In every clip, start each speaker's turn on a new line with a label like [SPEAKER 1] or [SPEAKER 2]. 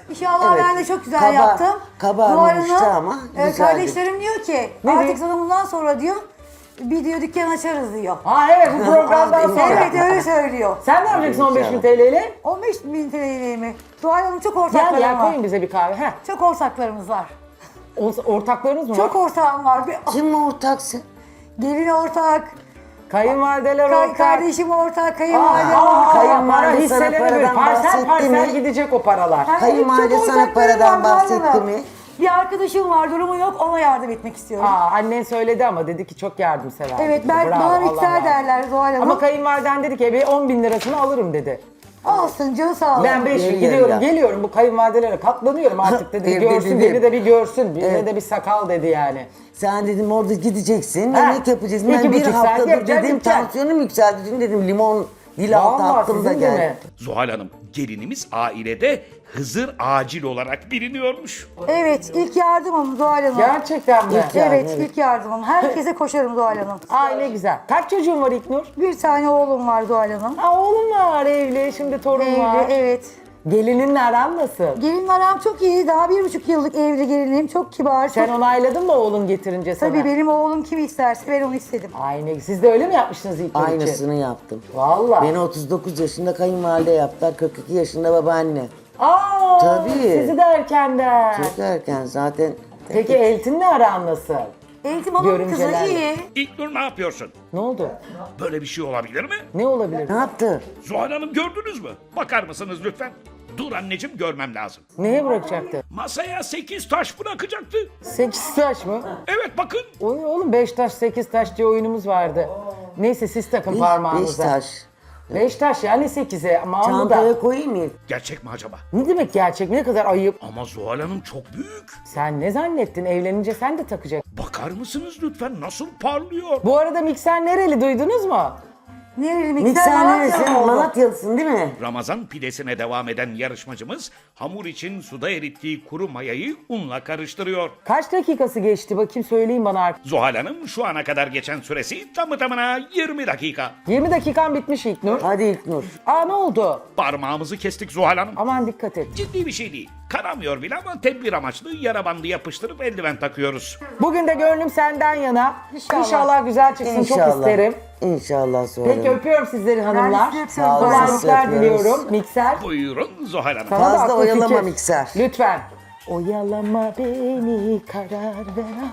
[SPEAKER 1] İnşallah
[SPEAKER 2] Evet.
[SPEAKER 1] ben de çok güzel yaptım.
[SPEAKER 2] Kabarmamıştı
[SPEAKER 1] Bu arada,
[SPEAKER 2] ama güzeldi.
[SPEAKER 1] kardeşlerim diyor ki
[SPEAKER 3] Ne
[SPEAKER 1] artık
[SPEAKER 3] diyor?
[SPEAKER 1] sana bundan sonra diyor bir diyor dükkan açarız diyor.
[SPEAKER 3] Ha evet, bu programdan sonra.
[SPEAKER 1] Evet öyle söylüyor.
[SPEAKER 3] Sen ne yapacaksın 15.000 TL ile?
[SPEAKER 1] 15.000 TL'yi mi? Zuhal Hanım çok
[SPEAKER 3] Gel
[SPEAKER 1] ortaklarım
[SPEAKER 3] ya,
[SPEAKER 1] var.
[SPEAKER 3] koyun bize bir kahve. Heh.
[SPEAKER 1] Çok ortaklarımız var.
[SPEAKER 3] Ortaklarınız mı
[SPEAKER 1] Çok
[SPEAKER 3] var?
[SPEAKER 1] ortağım var.
[SPEAKER 2] Kim ortaksın?
[SPEAKER 1] Gelin ortak,
[SPEAKER 3] Kayınvalideler ortak.
[SPEAKER 1] kardeşim ortak, kayınvalidem
[SPEAKER 3] Aa,
[SPEAKER 1] ortak.
[SPEAKER 2] Kayınvalide
[SPEAKER 3] para
[SPEAKER 2] sana
[SPEAKER 3] hisselerine
[SPEAKER 2] paradan
[SPEAKER 3] göre parsel
[SPEAKER 2] bahsetti
[SPEAKER 3] parsel
[SPEAKER 2] mi?
[SPEAKER 3] gidecek o paralar.
[SPEAKER 1] Yani
[SPEAKER 2] Kayınvalide
[SPEAKER 1] çok
[SPEAKER 2] sana
[SPEAKER 1] ortaklarım
[SPEAKER 2] paradan
[SPEAKER 1] var,
[SPEAKER 2] bahsetti
[SPEAKER 1] vallahi.
[SPEAKER 2] mi?
[SPEAKER 1] Bir arkadaşım var, durumu yok, ona yardım etmek istiyorum.
[SPEAKER 3] Annen söyledi ama dedi ki çok yardımsever.
[SPEAKER 1] Evet,
[SPEAKER 3] dedi.
[SPEAKER 1] ben,
[SPEAKER 3] Bravo,
[SPEAKER 1] bana
[SPEAKER 3] Allah
[SPEAKER 1] mikser
[SPEAKER 3] razı
[SPEAKER 1] derler Zuhal Hanım.
[SPEAKER 3] Ama kayınvaliden dedi ki bir 10.000 lirasını alırım dedi.
[SPEAKER 1] Olsun, canı sağ olsun.
[SPEAKER 3] Ben 5
[SPEAKER 2] yarı
[SPEAKER 3] gidiyorum
[SPEAKER 2] yarıya.
[SPEAKER 3] geliyorum bu kayınvalidelere katlanıyorum artık dedi.
[SPEAKER 2] Evde
[SPEAKER 3] Görsün
[SPEAKER 2] dedi.
[SPEAKER 3] beni de bir görsün. Bize
[SPEAKER 2] Evet.
[SPEAKER 3] de bir sakal dedi yani.
[SPEAKER 2] Sen dedim orada gideceksin,
[SPEAKER 3] Ha,
[SPEAKER 2] yemek yapacaksın. Ben
[SPEAKER 3] 2,5
[SPEAKER 2] bir
[SPEAKER 3] saat
[SPEAKER 2] haftadır
[SPEAKER 3] yapacaksın,
[SPEAKER 2] dedim
[SPEAKER 3] gideceksin.
[SPEAKER 2] tansiyonum yükseldi. Dün dedim limon dil altı
[SPEAKER 3] Vallahi
[SPEAKER 2] attım da
[SPEAKER 3] sizin de mi?
[SPEAKER 2] geldi.
[SPEAKER 4] Zuhal Hanım, gelinimiz ailede Hızır Acil olarak biliniyormuş.
[SPEAKER 1] Evet, ilk yardımım Zuhal Hanım.
[SPEAKER 3] Gerçekten mi?
[SPEAKER 2] İlk yardım,
[SPEAKER 1] Evet,
[SPEAKER 2] evet.
[SPEAKER 1] ilk yardımım. Herkese koşarım Zuhal Hanım.
[SPEAKER 3] Ay ne güzel. Kaç çocuğun var İlknur?
[SPEAKER 1] Bir tane oğlum var Zuhal Hanım.
[SPEAKER 3] Ha oğlum var evli, şimdi torun var.
[SPEAKER 1] Evli, evet.
[SPEAKER 3] Gelininle aran nasıl?
[SPEAKER 1] Gelin aram çok iyi. Daha 1,5 yıllık evli gelinim. Çok kibar.
[SPEAKER 3] Sen
[SPEAKER 1] çok...
[SPEAKER 3] onayladın mı oğlun getirince sana?
[SPEAKER 1] Tabii benim oğlum kimi isterse ben onu istedim.
[SPEAKER 3] Ay ne siz de öyle mi yapmıştınız İlknur için?
[SPEAKER 2] Aynısını yaptım.
[SPEAKER 3] Valla.
[SPEAKER 2] Beni 39 yaşında kayınvalide yaptılar, 42 yaşında babaanne.
[SPEAKER 3] Aa,
[SPEAKER 2] Tabii.
[SPEAKER 3] sizi de erkenden.
[SPEAKER 2] Çok erken zaten.
[SPEAKER 3] Peki Eltin'le aran nasıl?
[SPEAKER 1] Eğitim hanımın kızı
[SPEAKER 3] Görümcelerle.
[SPEAKER 1] iyi.
[SPEAKER 4] İlknur ne yapıyorsun?
[SPEAKER 3] Ne oldu?
[SPEAKER 4] Böyle bir şey olabilir mi?
[SPEAKER 3] Ne olabilir?
[SPEAKER 2] Ne yaptı?
[SPEAKER 4] Zuhal Hanım gördünüz mü? Bakar mısınız lütfen? Dur anneciğim, görmem lazım.
[SPEAKER 3] Neye bırakacaktı?
[SPEAKER 4] Masaya 8 taş bırakacaktı.
[SPEAKER 3] 8 taş mı?
[SPEAKER 4] Evet bakın.
[SPEAKER 3] Oy oğlum 5 taş 8 taş diye oyunumuz vardı. Neyse siz takın
[SPEAKER 2] Beş
[SPEAKER 3] parmağınıza.
[SPEAKER 2] taş.
[SPEAKER 3] 5 taş yani 8'e ama bu da.
[SPEAKER 2] Çantaya koyayım mı?
[SPEAKER 4] Gerçek mi acaba?
[SPEAKER 3] Ne demek gerçek mi? Ne kadar ayıp.
[SPEAKER 4] Ama Zuhal Hanım çok büyük.
[SPEAKER 3] Sen ne zannettin? Evlenince sen de takacaksın.
[SPEAKER 4] Bakar mısınız lütfen, nasıl parlıyor?
[SPEAKER 3] Bu arada mikser nereli duydunuz mu?
[SPEAKER 1] Nereli mikser
[SPEAKER 2] Mikser
[SPEAKER 1] Malatya
[SPEAKER 2] neresi?
[SPEAKER 1] mı oldu?
[SPEAKER 2] Malatyalısın değil mi?
[SPEAKER 4] Ramazan pidesine devam eden yarışmacımız hamur için suda erittiği kuru mayayı unla karıştırıyor.
[SPEAKER 3] Kaç dakikası geçti bakayım söyleyin bana artık.
[SPEAKER 4] Zuhal Hanım şu ana kadar geçen süresi tamı tamına 20 dakika.
[SPEAKER 3] 20 dakikan bitmiş İlknur.
[SPEAKER 2] Hadi İlknur.
[SPEAKER 3] Aa ne oldu?
[SPEAKER 4] Parmağımızı kestik Zuhal Hanım.
[SPEAKER 3] Aman dikkat et.
[SPEAKER 4] Ciddi bir şey değil. Kanamıyor bile ama tedbir amaçlı yara bandı yapıştırıp eldiven takıyoruz.
[SPEAKER 3] Bugün de gönlüm senden yana.
[SPEAKER 1] İnşallah.
[SPEAKER 3] İnşallah güzel çıksın çok isterim.
[SPEAKER 2] İnşallah Zuhal
[SPEAKER 3] Peki
[SPEAKER 2] Hanım.
[SPEAKER 3] öpüyorum sizleri hanımlar.
[SPEAKER 1] sizi öpüyorum.
[SPEAKER 2] Sağ olun, sizi
[SPEAKER 3] Kolaylıklar
[SPEAKER 2] öpüyoruz.
[SPEAKER 3] diliyorum. Mikser.
[SPEAKER 4] Buyurun Zuhal Hanım.
[SPEAKER 3] Sana da
[SPEAKER 2] Fazla
[SPEAKER 3] akıl
[SPEAKER 2] oyalama
[SPEAKER 3] fikir.
[SPEAKER 2] mikser.
[SPEAKER 3] Lütfen. Oyalama beni karar ver.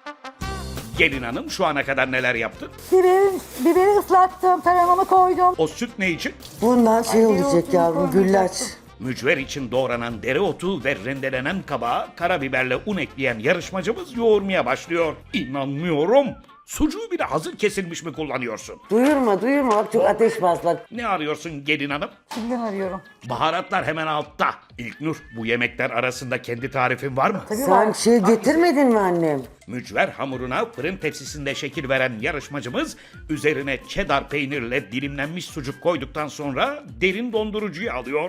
[SPEAKER 4] Gelin hanım şu ana kadar neler yaptı?
[SPEAKER 1] Biberi ıslattım, taramamı koydum.
[SPEAKER 4] O süt ne için?
[SPEAKER 2] Bundan şey olacak
[SPEAKER 1] dereotunu
[SPEAKER 2] yavrum, güllaç.
[SPEAKER 1] koymayacaktım.
[SPEAKER 4] Mücver için doğranan dereotu ve rendelenen kabağa karabiberle un ekleyen yarışmacımız yoğurmaya başlıyor. İnanmıyorum. Sucuğu bile hazır kesilmiş mi kullanıyorsun?
[SPEAKER 2] Duyurma bak çok ateş baslak.
[SPEAKER 4] Ne arıyorsun gelin hanım?
[SPEAKER 1] Kimden arıyorum?
[SPEAKER 4] Baharatlar hemen altta. İlknur, bu yemekler arasında kendi tarifin var mı?
[SPEAKER 2] Sen şey getirmedin mi annem?
[SPEAKER 4] Mücver hamuruna fırın tepsisinde şekil veren yarışmacımız üzerine cheddar peynirle dilimlenmiş sucuk koyduktan sonra derin dondurucuya alıyor.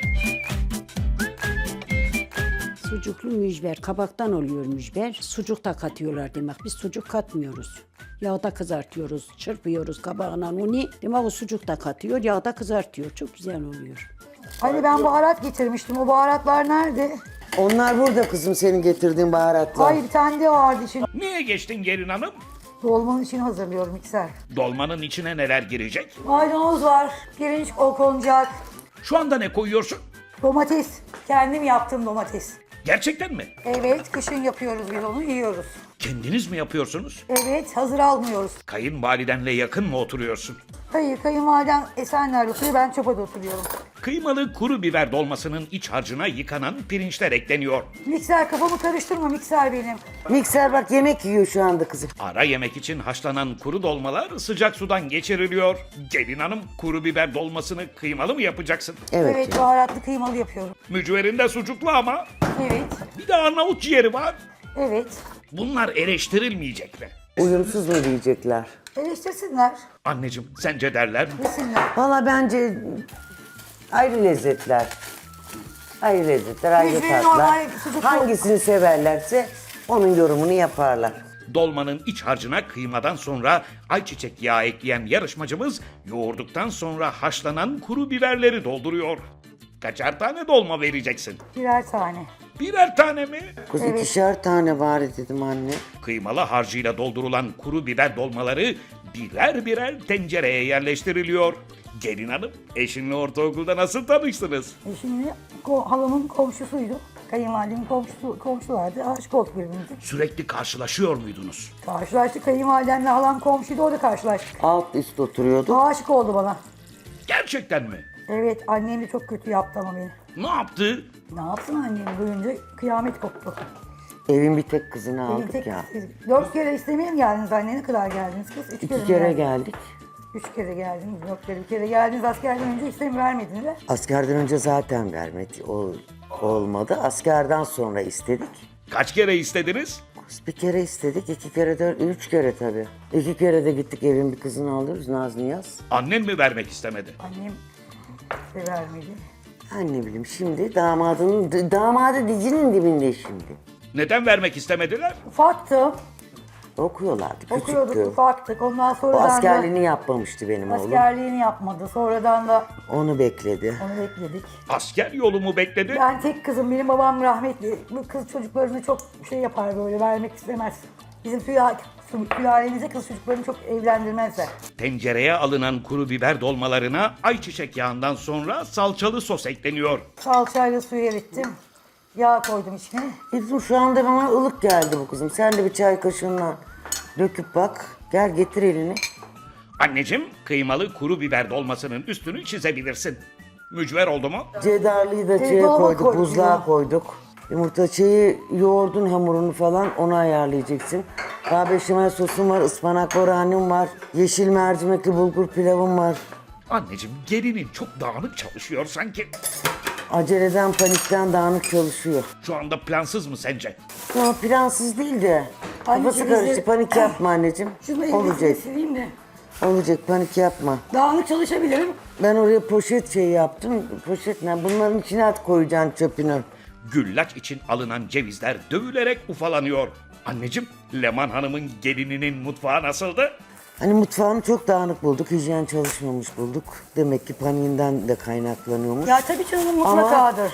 [SPEAKER 5] Sucuklu mücver, kabaktan oluyor mücver. Sucuk da katıyorlar demek. Biz sucuk katmıyoruz. Yağda kızartıyoruz, çırpıyoruz kabağına unu. Demek o sucuk da katıyor, yağda kızartıyor. Çok güzel oluyor.
[SPEAKER 1] Hani ben baharat getirmiştim. O baharatlar nerede?
[SPEAKER 2] Onlar burada kızım, senin getirdiğin baharatlar.
[SPEAKER 1] Ay bir tane de vardı için.
[SPEAKER 4] Niye geçtin gelin hanım?
[SPEAKER 1] Dolmanın için hazırlıyorum mikser.
[SPEAKER 4] Dolmanın içine neler girecek?
[SPEAKER 1] Maydanoz var, pirinç konacak,
[SPEAKER 4] Şu anda ne koyuyorsun?
[SPEAKER 1] domates. Kendim yaptım domates.
[SPEAKER 4] Gerçekten mi?
[SPEAKER 1] Evet, kışın yapıyoruz biz onu, yiyoruz.
[SPEAKER 4] Kendiniz mi yapıyorsunuz?
[SPEAKER 1] Evet, hazır almıyoruz.
[SPEAKER 4] Kayınvalidenle yakın mı oturuyorsun?
[SPEAKER 1] Hayır, kayınvalidem Esenler'de oturuyor, ben Çopa'da oturuyorum.
[SPEAKER 4] Kıymalı kuru biber dolmasının iç harcına yıkanan pirinçler ekleniyor.
[SPEAKER 1] Mikser kafamı karıştırma, mikser benim.
[SPEAKER 2] Mikser bak yemek yiyor şu anda kızım.
[SPEAKER 4] Ara yemek için haşlanan kuru dolmalar sıcak sudan geçiriliyor. Gelin hanım, kuru biber dolmasını kıymalı mı yapacaksın?
[SPEAKER 2] Evet.
[SPEAKER 1] Evet, baharatlı kıymalı yapıyorum.
[SPEAKER 4] Mücverinde sucuklu ama.
[SPEAKER 1] Evet,
[SPEAKER 4] Bir de Arnavut ciğeri var.
[SPEAKER 1] evet.
[SPEAKER 4] Bunlar eleştirilmeyecek mi?
[SPEAKER 2] Uyumsuz mu diyecekler?
[SPEAKER 1] Eleştirsinler,
[SPEAKER 4] Anneciğim, sence derler mi?
[SPEAKER 1] yesinler.
[SPEAKER 2] Valla bence ayrı lezzetler. Ayrı lezzetler, ayrı
[SPEAKER 1] Mücverin
[SPEAKER 2] tatlar.
[SPEAKER 1] normal sucuklu.
[SPEAKER 2] Hangisini severlerse onun yorumunu yaparlar.
[SPEAKER 4] Dolmanın iç harcına kıymadan sonra ayçiçek yağı ekleyen yarışmacımız yoğurduktan sonra haşlanan kuru biberleri dolduruyor. Kaçar tane dolma vereceksin?
[SPEAKER 1] Birer tane.
[SPEAKER 4] Birer tane mi?
[SPEAKER 2] Kız
[SPEAKER 1] Evet.
[SPEAKER 2] 2'şer tane bari dedim anne.
[SPEAKER 4] Kıymalı harcıyla doldurulan kuru biber dolmaları birer birer tencereye yerleştiriliyor. Gelin hanım, eşinle ortaokulda nasıl tanıştınız?
[SPEAKER 1] Şimdi halamın komşusuydu. Kayınvalidemin komşulardı. Aşık olduk birbirimize.
[SPEAKER 4] Sürekli karşılaşıyor muydunuz?
[SPEAKER 1] Karşılaştık. Kayınvalidemle halam komşuydu. Orada karşılaştık.
[SPEAKER 2] Alt üst oturuyordu.
[SPEAKER 1] Aşık oldu bana.
[SPEAKER 4] Gerçekten mi?
[SPEAKER 1] Evet, annem de çok kötü yaptı ama beni.
[SPEAKER 4] Ne yaptı?
[SPEAKER 1] Ne yapsın annem duyunca kıyamet koptu.
[SPEAKER 2] Evin bir tek kızını
[SPEAKER 1] Benim
[SPEAKER 2] aldık
[SPEAKER 1] tek,
[SPEAKER 2] ya.
[SPEAKER 1] 4 kere istemeye mi geldiniz anne? Ne kadar geldiniz kız? 3 kere
[SPEAKER 2] 2
[SPEAKER 1] mi
[SPEAKER 2] kere
[SPEAKER 1] geldiniz?
[SPEAKER 2] geldik.
[SPEAKER 1] 3 kere geldiniz, 4 kere. Bir kere geldiniz askerden önce istemi vermediniz.
[SPEAKER 2] Askerden önce zaten vermedi. Olmadı. Askerden sonra istedik.
[SPEAKER 4] Kaç kere istediniz?
[SPEAKER 2] Bir kere istedik, 2 kere, 3 kere tabii. 2 kere de gittik evin bir kızını alıyoruz Naz Niyaz.
[SPEAKER 4] Annen mi vermek istemedi?
[SPEAKER 1] Annem de vermedi.
[SPEAKER 2] Ben ne bileyim şimdi damadı dizinin dibinde şimdi.
[SPEAKER 4] Neden vermek istemediler?
[SPEAKER 1] Ufaktı.
[SPEAKER 2] Okuyorlardı,
[SPEAKER 1] Okuyorduk,
[SPEAKER 2] küçüktü.
[SPEAKER 1] ufaktık. Ondan
[SPEAKER 2] O
[SPEAKER 1] sonradan da
[SPEAKER 2] askerliğini yapmamıştı benim oğlum.
[SPEAKER 1] askerliğini yapmadı. Sonradan da
[SPEAKER 2] Onu bekledi.
[SPEAKER 1] onu bekledik.
[SPEAKER 4] Asker yolu mu bekledi?
[SPEAKER 1] Ben tek kızım, benim babam rahmetli. Bu kız çocuklarını çok şey yapar böyle, vermek istemez. Bizim sülalemize kız çocuklarını çok evlendirmezler.
[SPEAKER 4] Tencereye alınan kuru biber dolmalarına ayçiçek yağından sonra salçalı sos ekleniyor.
[SPEAKER 1] Salçayla suyu erittim. Yağ koydum içine.
[SPEAKER 2] Bizim şu anda bana ılık geldi bu kızım. Sen de bir çay kaşığından döküp bak. Gel getir elini.
[SPEAKER 4] Anneciğim, kıymalı kuru biber dolmasının üstünü çizebilirsin. Mücver oldu mu?
[SPEAKER 2] Cedarlıyı da şeye
[SPEAKER 1] dolaba
[SPEAKER 2] koyduk,
[SPEAKER 1] koyduk
[SPEAKER 2] buzluğa
[SPEAKER 1] ya.
[SPEAKER 2] koyduk. Yumurta yoğurdun hamurunu falan onu ayarlayacaksın. Daha beşamel sosum var, ıspanak boranim var, yeşil mercimekli bulgur pilavım var.
[SPEAKER 4] Anneciğim, gelinin çok dağınık çalışıyor sanki.
[SPEAKER 2] Aceleden, panikten dağınık çalışıyor.
[SPEAKER 4] Şu anda plansız mı sence?
[SPEAKER 2] Ama plansız değil de. Kafası
[SPEAKER 1] Anneciğim,
[SPEAKER 2] karıştı,
[SPEAKER 1] bizi-
[SPEAKER 2] panik yapma anneciğim.
[SPEAKER 1] Şunu elbisini
[SPEAKER 2] Olacak,
[SPEAKER 1] sileyim de.
[SPEAKER 2] olacak, panik yapma.
[SPEAKER 1] Dağınık çalışabilirim.
[SPEAKER 2] Ben oraya poşet yaptım. Poşet ne? Bunların içine at koyacaksın çöpünü.
[SPEAKER 4] Güllaç için alınan cevizler dövülerek ufalanıyor. Anneciğim, Leman Hanım'ın gelininin mutfağı nasıldı?
[SPEAKER 2] Hani mutfağını çok dağınık bulduk, hijyen çalışmamış bulduk. Demek ki paniğinden de kaynaklanıyormuş.
[SPEAKER 1] Ya tabii canım
[SPEAKER 2] Ama
[SPEAKER 1] mutlakadır.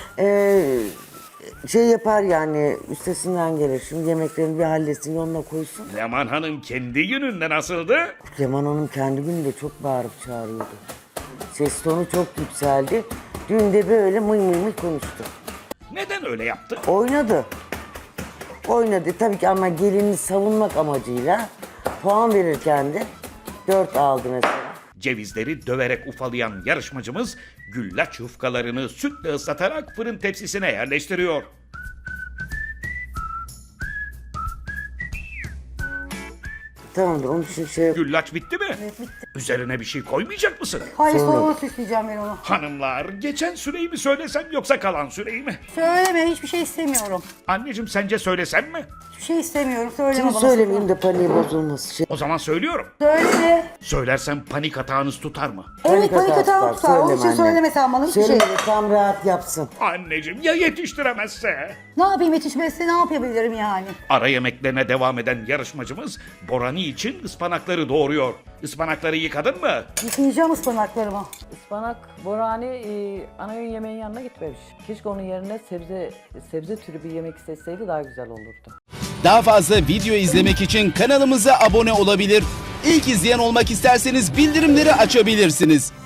[SPEAKER 2] yapar yani, üstesinden gelir. Şimdi yemeklerini bir halletsin, yoluna koysun.
[SPEAKER 4] Leman Hanım kendi gününde nasıldı?
[SPEAKER 2] Leman Hanım kendi gününde çok bağırıp çağırıyordu. Ses tonu çok yükseldi. Dün de böyle mıy mıy mıy konuştu.
[SPEAKER 4] Neden öyle yaptı?
[SPEAKER 2] Oynadı. Oynadı tabii ki ama gelini savunmak amacıyla puan verirken de 4 aldı mesela.
[SPEAKER 4] Cevizleri döverek ufalayan yarışmacımız güllaç yufkalarını sütle ıslatarak fırın tepsisine yerleştiriyor.
[SPEAKER 2] Tamamdır onun için
[SPEAKER 4] Güllaç bitti mi?
[SPEAKER 1] Evet, bitti.
[SPEAKER 4] Üzerine bir şey koymayacak mısın?
[SPEAKER 1] Hayır,
[SPEAKER 2] Sonra-
[SPEAKER 1] sonra süsleyeceğim ben onu.
[SPEAKER 4] Hanımlar, geçen süreyi mi söylesem yoksa kalan süreyi mi?
[SPEAKER 1] Söyleme, hiçbir şey istemiyorum.
[SPEAKER 4] Anneciğim, sence söylesem mi?
[SPEAKER 1] Hiçbir şey istemiyorum, söyleme
[SPEAKER 2] Şimdi
[SPEAKER 1] bana.
[SPEAKER 2] söylemeyeyim de paniği bozulması.
[SPEAKER 4] O zaman söylüyorum.
[SPEAKER 1] Söyleme.
[SPEAKER 4] Söylersem panik atağınız tutar mı?
[SPEAKER 1] Evet, panik atağı tutar. Onun için söyleme sen bana hiçbir şey.
[SPEAKER 2] Söyleme tam rahat yapsın.
[SPEAKER 4] Anneciğim, ya yetiştiremezse?
[SPEAKER 1] Ne yapayım, yetişmezse ne yapabilirim yani?
[SPEAKER 4] Ara yemeklerine devam eden yarışmacımız Borani için ıspanakları doğuruyor. Ispanakları yıkadın mı?
[SPEAKER 1] Yıkayacağım ıspanaklarımı.
[SPEAKER 6] Ispanak, borani ana öğün yemeğin yanına gitmemiş. Keşke onun yerine sebze türü bir yemek seçseydi daha güzel olurdu.
[SPEAKER 7] Daha fazla video izlemek için kanalımıza abone olabilir. İlk izleyen olmak isterseniz bildirimleri açabilirsiniz.